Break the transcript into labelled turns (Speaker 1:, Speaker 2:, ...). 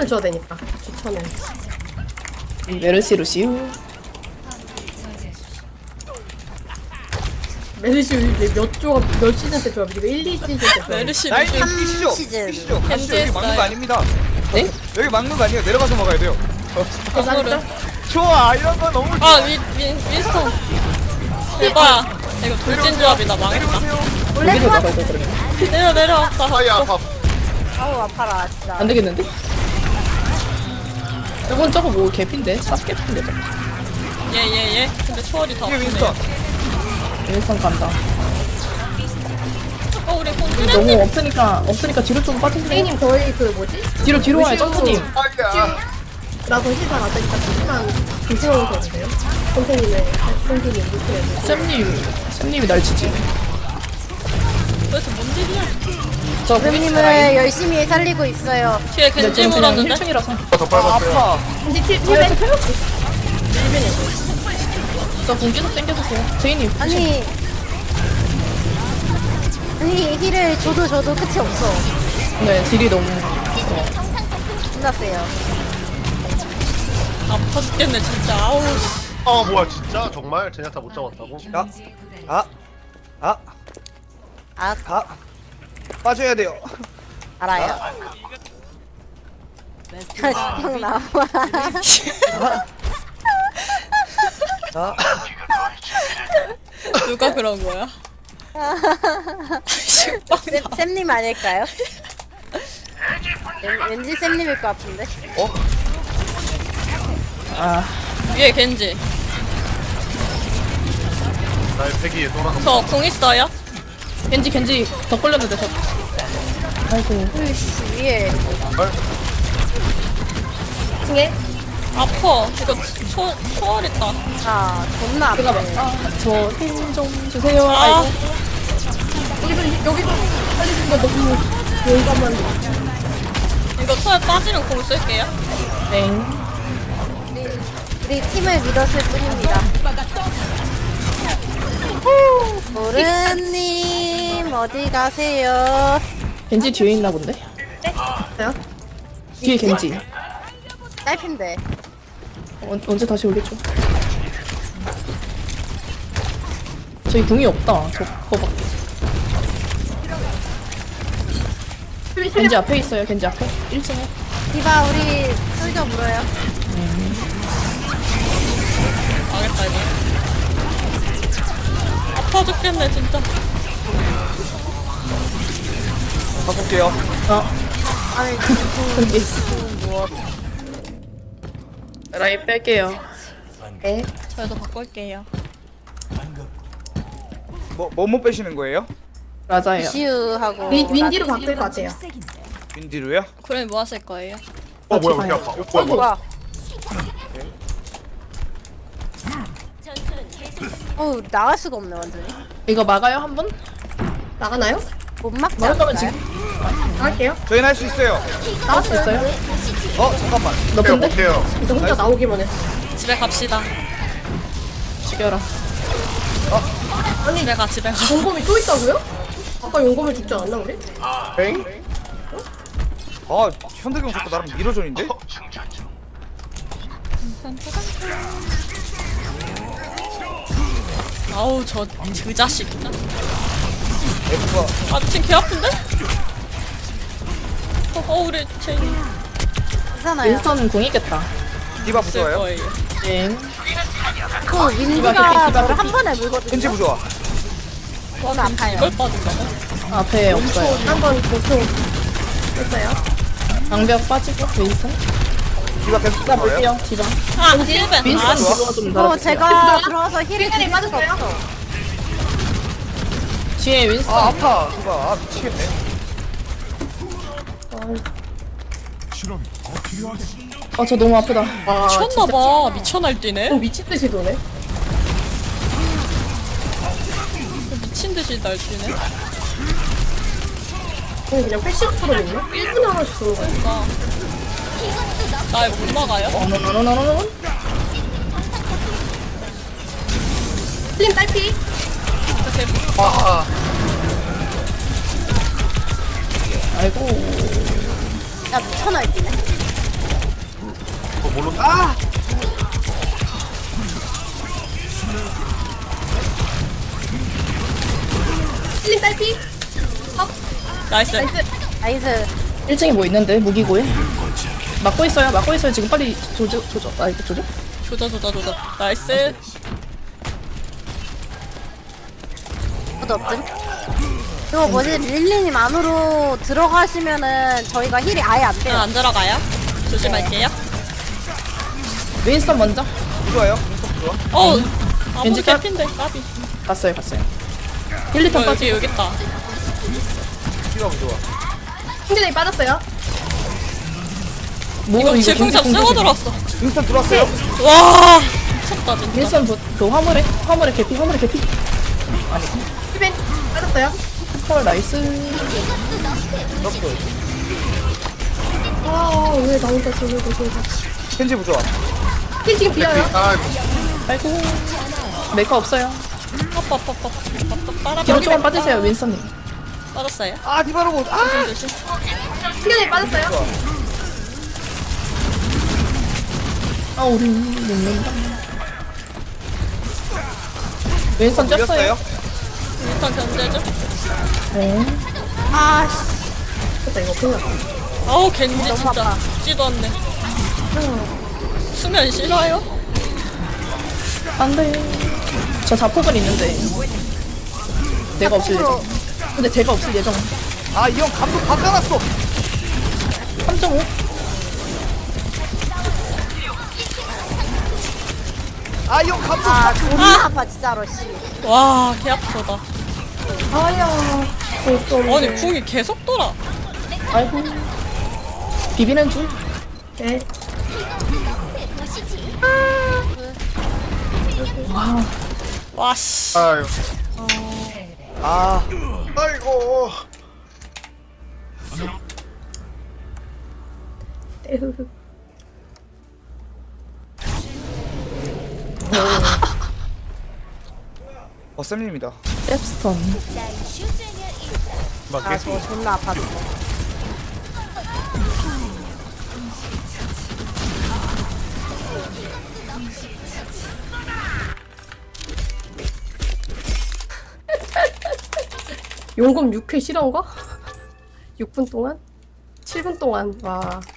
Speaker 1: 추천을 줘야 되니까. 추천을.
Speaker 2: 메르시 루시우.
Speaker 1: 메르시 몇 시즌 때 조합? 이거 1, 2시즌 때 조합.
Speaker 3: 메르시
Speaker 4: 라인
Speaker 3: 루시
Speaker 4: 뛰시죠.
Speaker 5: 시즌.
Speaker 4: 뛰시죠.
Speaker 3: 겐지
Speaker 4: 가시죠. 여기 막는
Speaker 3: 했어요.
Speaker 4: 거 아닙니다.
Speaker 2: 네?
Speaker 4: 여기 막는 거 아니에요. 내려가서 막아야 돼요.
Speaker 3: 건물은
Speaker 4: 좋아. 이런 거 너무 좋아.
Speaker 3: 아 윈스턴 대박. 이거 돌진 조합이다. 망했다.
Speaker 2: 여기로 나가 이거 그러면.
Speaker 3: 내려왔다.
Speaker 6: 아야 아파.
Speaker 5: 아우 아파라 진짜.
Speaker 2: 안 되겠는데? 저건 저거 뭐 개핀데? 쌉 개핀데 저거.
Speaker 3: 예예예. 근데 초월이 더
Speaker 4: 이게
Speaker 3: 아프네.
Speaker 4: 윈스턴.
Speaker 2: 일선 간다.
Speaker 3: 우리
Speaker 2: 너무
Speaker 3: 콘트레님
Speaker 2: 없으니까 뒤로 좀 빠지세요.
Speaker 1: 선생님 저희 그 뭐지?
Speaker 2: 뒤로 와요,
Speaker 1: 루시우
Speaker 2: 점프님.
Speaker 6: 아야.
Speaker 1: 라고 시작 안 되니까 잠시만 조심하고 계세요. 선생님의 루시우.
Speaker 2: 쌤님이 날 치지.
Speaker 3: 도대체 뭔 일이야?
Speaker 2: 저
Speaker 5: 선생님을 열심히 살리고 있어요.
Speaker 3: 뒤에 겐지 물었는데?
Speaker 2: 1층이라서.
Speaker 6: 더 빨갛어요.
Speaker 4: 아파.
Speaker 1: 근데 힐벤
Speaker 2: 저 공기도 땡겨주세요. 제이님.
Speaker 5: 아니 힐을 줘도 끝이 없어.
Speaker 2: 네, 딜이 너무.
Speaker 5: 끝났어요.
Speaker 3: 아파 죽겠네 진짜. 아우 씨.
Speaker 6: 아 뭐야 진짜 정말 제냐타 못 잡았다고?
Speaker 4: 빠져야 돼요.
Speaker 5: 알아요. 형 나와.
Speaker 3: 누가 그런 거야? 식빵
Speaker 5: 쌤님 아닐까요? 왠지 쌤님일 것 같은데.
Speaker 3: 위에 겐지.
Speaker 6: 나의 패기에 돌아가.
Speaker 3: 저 공 있어요?
Speaker 2: 겐지 더 걸렸는데 저. 아이고.
Speaker 5: 위에
Speaker 1: 중에
Speaker 3: 아파. 이거 초월 있다.
Speaker 5: 아 존나 아프네.
Speaker 2: 저 힘 좀 주세요.
Speaker 3: 아.
Speaker 2: 아이고.
Speaker 1: 여기서 살리는 거 너무 용감한.
Speaker 3: 이거 초월 빠지면 공 쓸게요.
Speaker 2: 땡.
Speaker 5: 우리 팀을 믿었을 뿐입니다. 모르님 어디 가세요?
Speaker 2: 겐지 뒤에 있나 본데?
Speaker 1: 요
Speaker 2: 뒤에 겐지.
Speaker 5: 짧은데.
Speaker 2: 언제 다시 올리죠? 저희 궁이 없다. 저거밖에. 겐지 앞에 있어요. 겐지 앞에. 1층에.
Speaker 5: 디바 우리 솔져 물어요.
Speaker 3: 망했다 이거. 아파 죽겠네 진짜.
Speaker 4: 바꿀게요.
Speaker 5: 아니
Speaker 2: 여기.
Speaker 5: 무엇?
Speaker 2: 라인 뺄게요.
Speaker 5: 네.
Speaker 3: 저희도 바꿀게요.
Speaker 4: 뭐 빼시는 거예요?
Speaker 2: 맞아요.
Speaker 5: 시우하고
Speaker 1: 윈디로 바뀔 것 같아요.
Speaker 4: 윈디로요?
Speaker 3: 그럼 뭐 하실 거예요?
Speaker 6: 어 뭐야 왜 아파? 뭐야 뭐야?
Speaker 5: 뭐야? 나갈 수가 없네 완전히.
Speaker 2: 이거 막아요 한 번?
Speaker 1: 나가나요?
Speaker 5: 못 막지
Speaker 2: 막을 거면
Speaker 5: 않을까요?
Speaker 2: 지금
Speaker 1: 나갈게요.
Speaker 4: 저희는 할 수 있어요.
Speaker 2: 나갈 수 있어요?
Speaker 4: 잠깐만.
Speaker 2: 너
Speaker 6: 못해요
Speaker 2: 근데?
Speaker 6: 못해요.
Speaker 1: 이제 혼자 나오기만 했어.
Speaker 3: 집에 갑시다.
Speaker 2: 죽여라.
Speaker 3: 집에 가 집에 가.
Speaker 1: 용검이 또 있다고요? 아까 용검을 죽지 않았나 우리?
Speaker 6: 뱅?
Speaker 4: 현대경 자꾸 나랑 밀어줘인데?
Speaker 3: 아우 저 그 자식.
Speaker 4: F가
Speaker 3: 아 미친 개 아픈데? 우리 제인
Speaker 5: 괜찮아요.
Speaker 2: 윈스턴 궁이겠다.
Speaker 4: 디바
Speaker 3: 쓸
Speaker 4: 부좋아요?
Speaker 3: 거예요.
Speaker 2: 네.
Speaker 5: 그
Speaker 2: 디바
Speaker 5: 윈디가
Speaker 2: 디바
Speaker 5: 저를
Speaker 2: 디바.
Speaker 5: 한 번에 물거든요.
Speaker 4: 겐지 부좋아.
Speaker 5: 저는 아파요.
Speaker 3: 이걸 빠진다고?
Speaker 2: 앞에 없어요.
Speaker 1: 한번 보통 했어요.
Speaker 2: 방벽 빠지고 윈스턴.
Speaker 4: 디바 계속
Speaker 2: 디바
Speaker 4: 부좋아요?
Speaker 2: 볼게요. 디바.
Speaker 3: 아 힐벤.
Speaker 2: 윈스턴
Speaker 3: 아
Speaker 2: 디바 좀 달아주세요.
Speaker 5: 제가 들어와서 힐을
Speaker 1: 힐이
Speaker 5: 드릴 수가
Speaker 1: 빠졌어요?
Speaker 5: 없어.
Speaker 2: 뒤에 윈스턴.
Speaker 4: 아파. 디바 미치겠네.
Speaker 2: 저 너무 아프다.
Speaker 1: 아,
Speaker 3: 미쳤나봐. 미쳐 날뛰네.
Speaker 1: 미친 듯이 도네.
Speaker 3: 미친 듯이 날뛰네.
Speaker 1: 그냥 패시브처럼 있네. 1분에 하나씩 도는 거야.
Speaker 3: 나 이거 못 막아요?
Speaker 2: 노노노노노노.
Speaker 1: 슬림 딸피.
Speaker 3: 이렇게
Speaker 2: 아이고.
Speaker 5: 야 미쳐 날뛰네.
Speaker 6: 모른다.
Speaker 4: 아!
Speaker 1: 힐링 딸피.
Speaker 3: 나이스.
Speaker 5: 나이스.
Speaker 2: 1층에 뭐 있는데 무기고에 막고 있어요 지금 빨리 조져 아 이거 조져?
Speaker 3: 조져. 나이스.
Speaker 5: 아무도 없음. 그거 뭐지? 릴리님 안으로 들어가시면은 저희가 힐이 아예 안 돼요.
Speaker 3: 안 들어가요. 조심할게요.
Speaker 2: 윈스턴 먼저
Speaker 4: 좋아요. 인성 좋아.
Speaker 3: 아무
Speaker 2: 왠지 까-
Speaker 3: 개핀데 까비.
Speaker 2: 갔어요 1, 2턴 빠지
Speaker 3: 여기 있다.
Speaker 4: 디바 좋아.
Speaker 1: 충전이 빠졌어요.
Speaker 2: 뭐
Speaker 3: 이거 질풍잡
Speaker 2: 공지,
Speaker 3: 쓰고
Speaker 2: 공지.
Speaker 3: 들어왔어.
Speaker 4: 인스턴 들어왔어요.
Speaker 3: 와 미쳤다 진짜.
Speaker 2: 윈스턴 그 화물에 개피 아니
Speaker 1: 힐벤 빠졌어요.
Speaker 2: 헐 나이스
Speaker 4: 넣었어.
Speaker 1: 아왜 나 혼자 저기
Speaker 4: 켄지 부좋아.
Speaker 1: 힐 지금 비어요.
Speaker 6: 아,
Speaker 2: 아이고 메이커 없어요
Speaker 3: 빠라
Speaker 2: 뒤로 조금 빠지세요 윈스턴님
Speaker 3: 빠졌어요.
Speaker 4: 아 디바로고. 아!
Speaker 3: 조심.
Speaker 1: 충전이 빠졌어요.
Speaker 2: 아 우리 죽는다 윈스턴 쪘어요
Speaker 4: 밀렸어요.
Speaker 3: 일단 견제 좀.
Speaker 2: 네.
Speaker 5: 아씨.
Speaker 1: 됐다 이거 큰일 났다.
Speaker 3: 아우 겐지
Speaker 5: 너무
Speaker 3: 진짜
Speaker 5: 아파.
Speaker 3: 죽지도 않네. 수면 싫어요?
Speaker 2: 안돼 저 자폭은 있는데 내가 없을 예정 근데 제가 없을 예정
Speaker 4: 아 이 형 감독 바꿔놨어.
Speaker 2: 3.5
Speaker 4: 아 이 형 감독.
Speaker 5: 아 존나 아파 진짜로 씨.
Speaker 3: 와 개 아프다.
Speaker 1: 아야. 볼수 없네.
Speaker 3: 아니 궁이 계속 돌아.
Speaker 2: 아이고 비비는 줄
Speaker 1: 네.
Speaker 3: 와씨.
Speaker 6: 아유.
Speaker 4: 아
Speaker 6: 아이고.
Speaker 1: 에흐흐.
Speaker 4: 버쌤님이다.
Speaker 2: 랩스턴
Speaker 5: 아 저거 존나 아팠어.
Speaker 1: 용금 6회 실한가? 6분 동안? 7분 동안 와